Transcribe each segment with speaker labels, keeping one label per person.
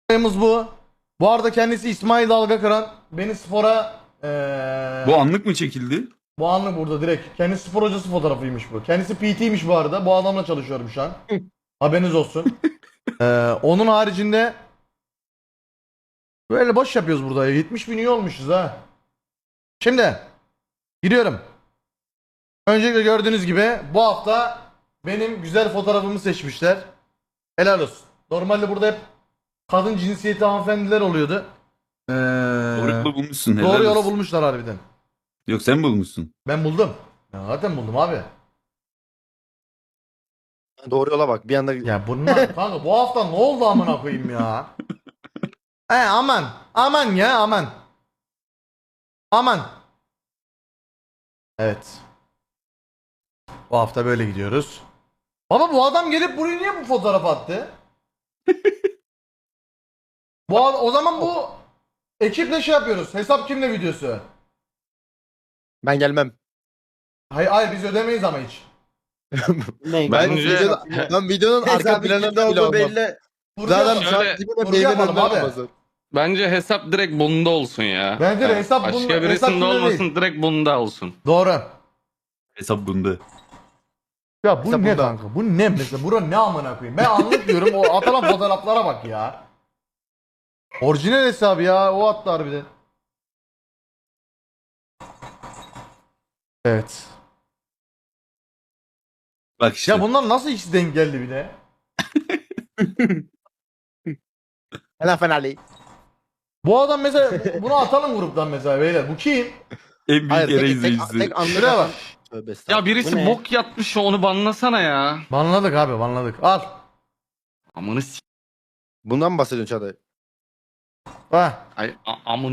Speaker 1: olayımız bu. Bu arada kendisi İsmail Dalga Kıran. Beni spora
Speaker 2: Bu anlık mı çekildi?
Speaker 1: bu anlık burada direkt. Kendisi spor hocası fotoğrafıymış bu. Kendisi PT'ymiş bu arada. Bu adamla çalışıyorum şu an. Haberiniz olsun. Onun haricinde böyle boş yapıyoruz burada. 70 bin üye olmuşuz ha. Şimdi giriyorum. Öncelikle gördüğünüz gibi bu hafta benim güzel fotoğrafımı seçmişler. Helal olsun. Normalde burada hep kadın cinsiyeti hanımefendiler oluyordu.
Speaker 2: Doğru yolu bulmuşsun. helal
Speaker 1: Doğru yolu
Speaker 2: olsun.
Speaker 1: bulmuşlar harbiden.
Speaker 2: Yok sen bulmuşsun.
Speaker 1: Ben buldum. Ya zaten buldum abi.
Speaker 3: Doğru yola bak. Bir anda
Speaker 1: Ya bunlar kanka bu hafta ne oldu amına koyayım ya? Aman. Aman ya aman. Aman. Evet. Bu hafta böyle gidiyoruz. Baba bu adam gelip buraya niye bu fotoğraf attı? O zaman bu ekiple şey yapıyoruz. Hesap kimle videosu?
Speaker 3: ben gelmem.
Speaker 1: Hayır hayır biz ödemeyiz ama hiç.
Speaker 3: Ben,
Speaker 4: Bence-
Speaker 3: ben videonun arka planında olduğu belli. Zaten
Speaker 1: Furkan,
Speaker 3: şu an
Speaker 4: Şöyle-
Speaker 3: dibine
Speaker 1: Furkan
Speaker 3: meyve
Speaker 1: yapalım abi.
Speaker 3: olmaz.
Speaker 4: Bence hesap direkt bunda olsun ya.
Speaker 1: Bence de hesap
Speaker 4: Başka
Speaker 1: bunda- hesap
Speaker 4: birisinde
Speaker 1: bunda
Speaker 4: olmasın,
Speaker 1: değil.
Speaker 4: direkt bunda olsun.
Speaker 1: Doğru.
Speaker 2: Hesap bunda.
Speaker 1: Ya bu
Speaker 3: Hesap
Speaker 1: ne
Speaker 3: bunda.
Speaker 1: kanka? Bu ne mesela? Bura ne amına koyayım? Ben anlatmıyorum. O atılan fotoğraflara bak ya. Orijinal hesabı ya. O attı harbiden. Evet.
Speaker 2: Bak işte.
Speaker 1: Ya bunlar nasıl ikisi denk geldi bir de?
Speaker 3: Helal Fenerli.
Speaker 1: Bu adam mesela bunu atalım gruptan mesela beyler. Bu kim?
Speaker 2: En büyük
Speaker 3: Hayır
Speaker 2: yere
Speaker 3: tek
Speaker 2: izleyicisi.
Speaker 3: anlık
Speaker 1: Şuraya bak.
Speaker 3: atan. Tövbe
Speaker 4: Ya
Speaker 3: estağfurullah. Bu
Speaker 4: birisi
Speaker 3: ne?
Speaker 4: bok yatmış, onu banlasana ya.
Speaker 1: Banladık abi banladık. Al.
Speaker 4: Amını s***.
Speaker 3: Bundan mı bahsediyorsun Çağatay?
Speaker 1: Ha.
Speaker 4: Ay amını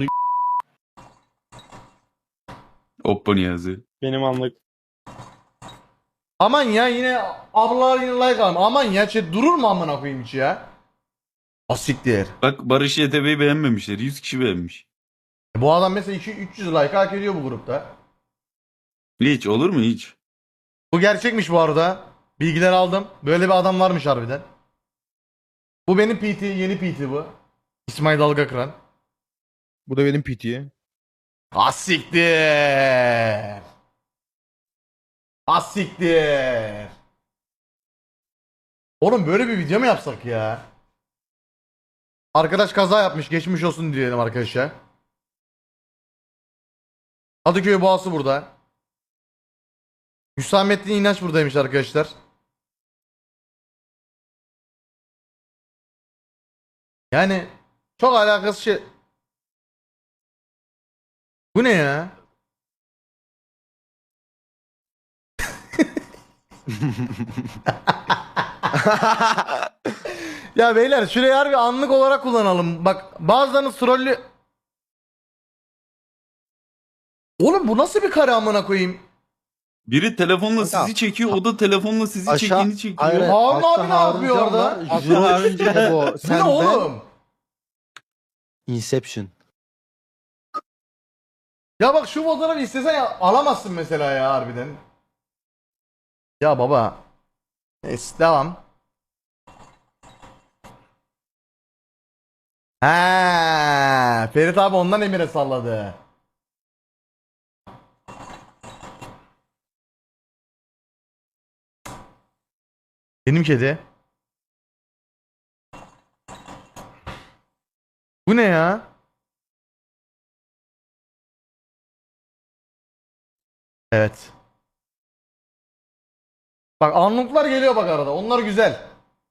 Speaker 2: Oppo Niyazi.
Speaker 5: Benim anlık.
Speaker 1: Aman ya yine ablalar yine like almış. Aman ya durur mu amına koyayım hiç ya? Asiktir.
Speaker 2: Bak Barış YTB'yi beğenmemişler. 100 kişi beğenmiş.
Speaker 1: Bu adam mesela 300 like hak ediyor bu grupta.
Speaker 2: Hiç olur mu hiç?
Speaker 1: Bu gerçekmiş bu arada. Bilgiler aldım. Böyle bir adam varmış harbiden. Bu benim PT, yeni PT bu. İsmail Dalga Kıran.
Speaker 3: Bu da benim PT'ye.
Speaker 1: Asiktir. Asiktir. Oğlum böyle bir video mu yapsak ya? Arkadaş kaza yapmış. Geçmiş olsun diyelim arkadaşlar. Kadıköy Boğası burada. Hüsamettin İnanç buradaymış arkadaşlar. Yani çok alakasız şey. Bu ne ya? Ya beyler şurayı harbi anlık olarak kullanalım. Bak bazılarınız trollü... Oğlum bu nasıl bir kare amına koyayım?
Speaker 2: Biri telefonla
Speaker 3: Kanka,
Speaker 2: sizi çekiyor. O da telefonla sizi
Speaker 3: aşağı-
Speaker 2: çektiğini çekiyor.
Speaker 3: Aynen.
Speaker 1: Harun
Speaker 3: Altta
Speaker 1: abi ne
Speaker 3: Harun
Speaker 1: yapıyor
Speaker 3: Can
Speaker 1: orada?
Speaker 3: var,
Speaker 1: Altta
Speaker 3: Jiro
Speaker 5: Harun
Speaker 3: işte bu.
Speaker 1: Bu ne
Speaker 3: Sen ben.
Speaker 1: oğlum?
Speaker 3: Inception.
Speaker 1: Ya bak şu fotoğrafı istesen alamazsın mesela ya harbiden. Ya baba. Neyse devam. Ha, Ferit abi ondan Emir'e salladı. Benim kedi. Bu ne ya? Evet. Bak anlıklar geliyor bak arada. Onlar güzel.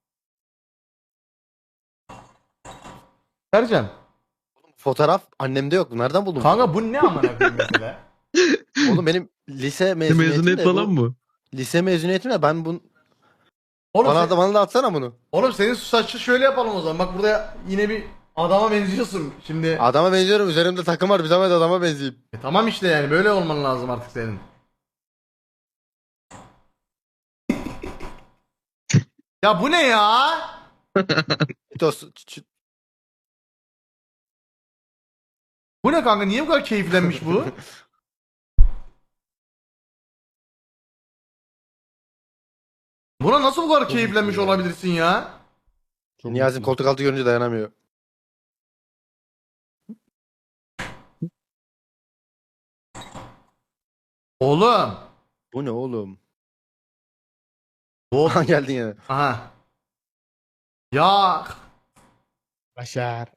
Speaker 1: Sercan.
Speaker 3: Fotoğraf annemde yok. Nereden buldun?
Speaker 1: Kanka bu ne amına koyayım mesela?
Speaker 3: Oğlum benim lise mezuniyetim
Speaker 5: Mezuniyet
Speaker 3: de
Speaker 5: falan
Speaker 3: bu.
Speaker 5: mı?
Speaker 3: Lise mezuniyetim de ben bunu...
Speaker 1: Oğlum,
Speaker 3: Bana da atsana bunu.
Speaker 1: oğlum senin saçı şöyle yapalım o zaman. Bak burada yine bir adama benziyorsun. Şimdi
Speaker 3: Adama benziyorum. Üzerimde takım var. Bir zahmet adama benzeyeyim.
Speaker 1: tamam işte yani böyle olman lazım artık senin. Ya bu ne ya? Bu ne kanka? Niye bu kadar keyiflenmiş bu? Buna nasıl bu kadar keyiflenmiş olabilirsin ya?
Speaker 3: Niyazi'nin koltuk altı görünce dayanamıyor.
Speaker 1: Oğlum.
Speaker 3: Bu ne oğlum?
Speaker 1: Bu.
Speaker 3: Aha geldin yine.
Speaker 1: Aha. Ya
Speaker 5: Başar.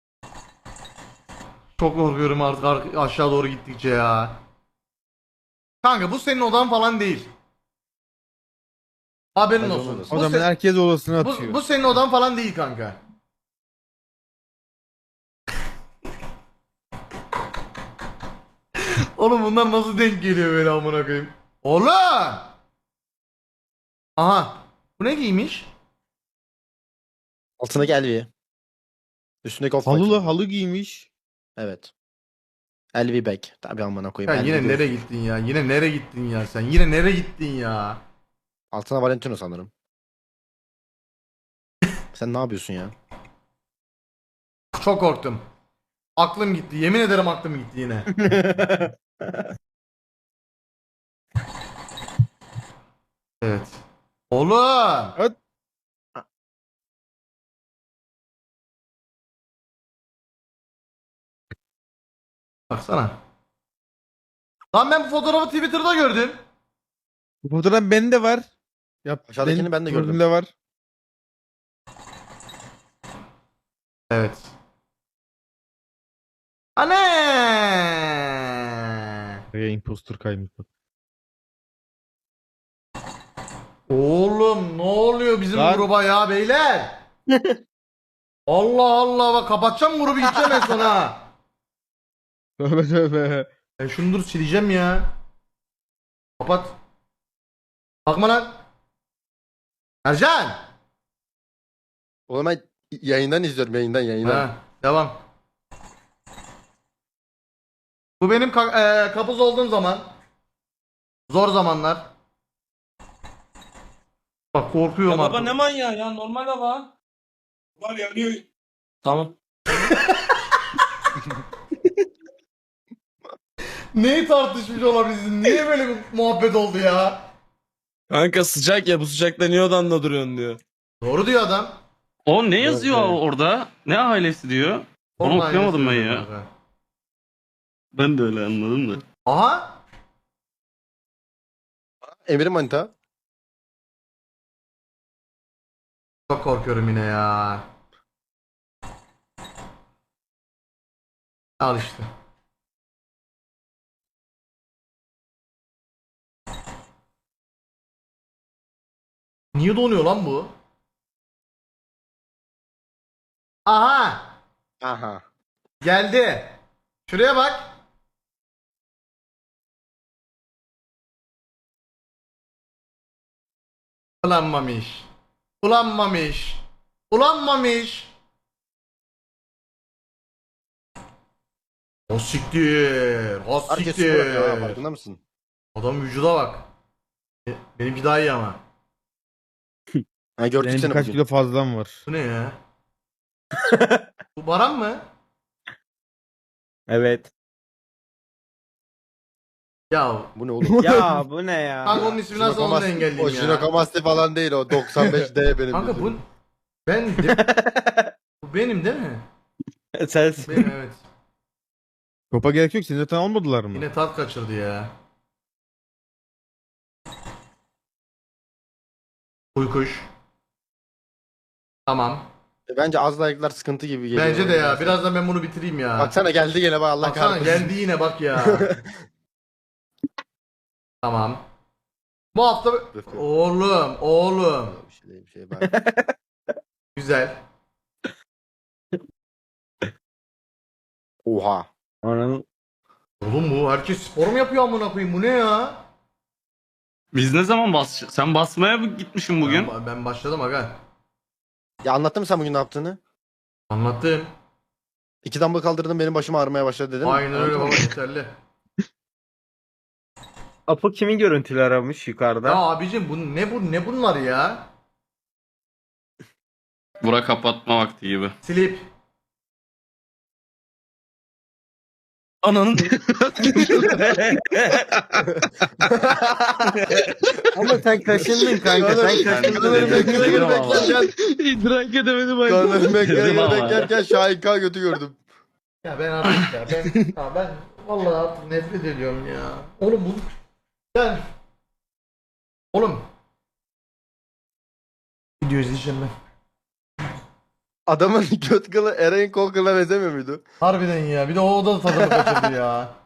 Speaker 1: çok korkuyorum artık aşağı doğru gittikçe ya. Kanka bu senin odan falan değil. Haberin
Speaker 3: Bence
Speaker 1: olsun.
Speaker 3: olmaz.
Speaker 5: O
Speaker 1: Bu,
Speaker 5: zaman herkes odasına
Speaker 1: bu,
Speaker 5: atıyor.
Speaker 1: bu senin odan falan değil kanka. Oğlum bunlar nasıl denk geliyor böyle amına koyayım? Oğlum! Aha. Bu ne giymiş?
Speaker 3: Altına gel bir. Üstündeki off
Speaker 5: Halılı
Speaker 3: white.
Speaker 5: halı giymiş.
Speaker 3: Evet. LV bag. Tabii amına koyayım.
Speaker 1: Ya
Speaker 3: LV
Speaker 1: yine
Speaker 3: göğüs.
Speaker 1: nereye gittin ya? Yine nereye gittin ya sen? Yine nereye gittin ya?
Speaker 3: Altına Valentino sanırım. Sen ne yapıyorsun ya?
Speaker 1: Çok korktum. Aklım gitti. Yemin ederim aklım gitti yine. Evet. Oğlum!
Speaker 5: Evet.
Speaker 1: Baksana. Lan ben bu fotoğrafı Twitter'da gördüm.
Speaker 5: Bu fotoğraf bende var. Yap,
Speaker 3: Aşağıdakini ben de gördüm.
Speaker 5: profilimde var.
Speaker 1: Evet. Anne!
Speaker 5: Ya impostor kaymış bak.
Speaker 1: Oğlum ne oluyor bizim
Speaker 5: Lan.
Speaker 1: gruba ya beyler? Allah Allah bak kapatacağım grubu gideceğim en son ha.
Speaker 5: Tövbe tövbe.
Speaker 1: Ben şunu dur sileceğim ya. Kapat. Bakma lan. Ercan.
Speaker 3: Oğlum ben yayından izliyorum. Yayından.
Speaker 1: Ha, devam. Bu benim kapuz olduğum zaman. Zor zamanlar. Bak korkuyorum
Speaker 6: Ya
Speaker 1: artık.
Speaker 6: baba ne manyağı ya normal hava. Var yanıyor. Tamam.
Speaker 1: Neyi tartışmış olabilirsin? Niye böyle bir muhabbet oldu ya?
Speaker 6: Kanka sıcak ya bu sıcakta niye odanda duruyorsun diyor.
Speaker 1: Doğru diyor adam.
Speaker 4: O ne yazıyor
Speaker 3: evet.
Speaker 4: orada? Ne ailesi diyor? Onu
Speaker 1: Vallahi
Speaker 4: okuyamadım ben
Speaker 1: yazıyorum
Speaker 4: ya.
Speaker 1: kanka.
Speaker 4: Ben de öyle anladım da.
Speaker 1: Aha.
Speaker 3: Emir'in manita.
Speaker 1: Çok korkuyorum yine ya. Al işte. Niye donuyor lan bu? Aha!
Speaker 3: Aha.
Speaker 1: Geldi. Şuraya bak. Ulanmamış. Ulanmamış. Ulanmamış. O siktir. O
Speaker 3: Herkes spor yapıyor ha,
Speaker 1: siktir.
Speaker 3: farkında mısın?
Speaker 1: Adam vücuda bak. Benimki daha iyi ama.
Speaker 3: Ha gördük
Speaker 5: Benim
Speaker 3: seni
Speaker 5: birkaç
Speaker 3: bugün.
Speaker 5: kilo fazlam var.
Speaker 1: Bu ne ya? Bu Baran mı?
Speaker 5: Evet.
Speaker 1: Ya
Speaker 3: Bu ne oğlum?
Speaker 5: Ya bu ne ya?
Speaker 1: kanka onun ismini nasıl onu da engelleyeyim
Speaker 3: O
Speaker 1: ya.
Speaker 3: Jinokamasti falan değil o. 95D benim.
Speaker 1: Kanka bu
Speaker 3: yüzüm.
Speaker 1: ben bu benim değil mi?
Speaker 5: Sensin.
Speaker 1: Benim evet.
Speaker 5: Topa gerek yok. Seni zaten almadılar mı?
Speaker 1: Yine tat kaçırdı ya. Uykuş. Tamam.
Speaker 3: Bence az like'lar sıkıntı gibi geliyor.
Speaker 1: Bence de ya. Birazdan ben bunu bitireyim ya.
Speaker 3: Baksana geldi gene bak Allah
Speaker 1: Baksana
Speaker 3: kahretsin.
Speaker 1: geldi yine bak ya. Tamam. Bu hafta oğlum.
Speaker 3: Bir şey bak.
Speaker 1: Güzel.
Speaker 3: Oha.
Speaker 5: Ananın.
Speaker 1: Oğlum bu herkes spor mu yapıyor amına koyayım? Bu ne ya?
Speaker 4: Biz ne zaman Sen basmaya mı gitmişsin bugün?
Speaker 1: Ben başladım aga.
Speaker 3: Ya anlattın mı sen bugün ne yaptığını?
Speaker 1: Anlattım.
Speaker 3: 2 dumbbell kaldırdım benim başım ağrımaya başladı dedin.
Speaker 1: Aynen öyle
Speaker 3: Anladın
Speaker 1: baba
Speaker 3: mı?
Speaker 1: yeterli.
Speaker 5: Apo kimin görüntüleri aramış yukarıda?
Speaker 1: Ya abicim ne bunlar ya?
Speaker 4: Bura kapatma vakti gibi.
Speaker 1: Slip.
Speaker 6: Ananın.
Speaker 5: Ama sen kaşındın kanka. Sen kaşındın.
Speaker 3: Kanırım
Speaker 4: Dedim ama.
Speaker 3: beklerken
Speaker 6: İdrak edemedim ben.
Speaker 3: Kanırım
Speaker 4: Dedim ama.
Speaker 3: beklerken Şahin K götü gördüm.
Speaker 1: Ya ben artık ya ben vallahi artık nefret ediyorum ya. Oğlum bu Yani oğlum video izleyeceğim ben.
Speaker 3: Adamın göt kılı Eren kol kılına benzemiyor muydu?
Speaker 1: Harbiden ya. Bir de o da tadını kaçırdı ya.